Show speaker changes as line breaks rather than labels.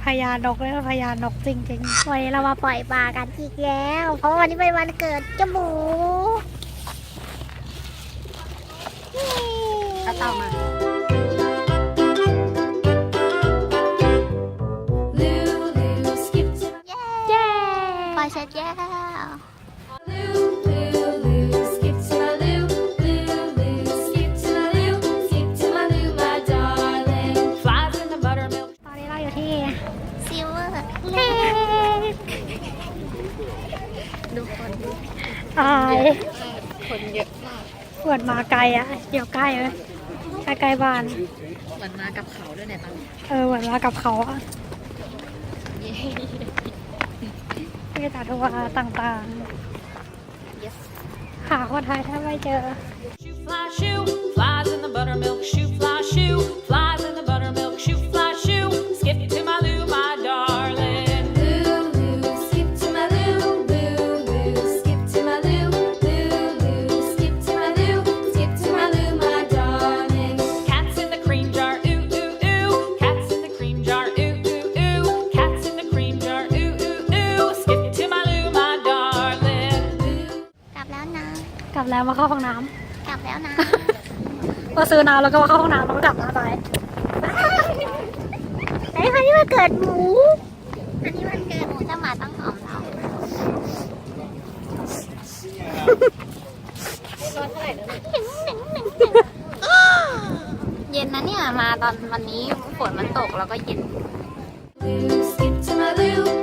ญานกเลยพญานกจริงๆวันนี้เรามาปล่อยปลากันอีกแล้วเพราะวันนี้เป็นวันเกิดเจ้าหมูก็ต่อมาเย้ปล่อยเสร็จแล้วอาย
คนเยอะมาก
เหมือนมาไกลอ่ะเดี๋ยวใกล้เลยใกล้บ้าน
เหมือนมากับเขาด้วยเนี่ยตอนนี้
เหมือนมากับเขาอ่ะที่ตาทัวร์ต่างๆหาคนไทยแทบไม่เจอกลับแล้วมาเข้าห้องน้ำกลับแล้วนะพอซื้อน้ำแล้วก็มาเข้าห้องน้ำแล้วก็กลับมาไปไอ้คนที่มาเกิดหมูอันนี้มันเกิดหมูจะมาต้องหอมเราเย็นนะเนี่ยมาตอนวันนี้ฝนมันตกแล้วก็เย็น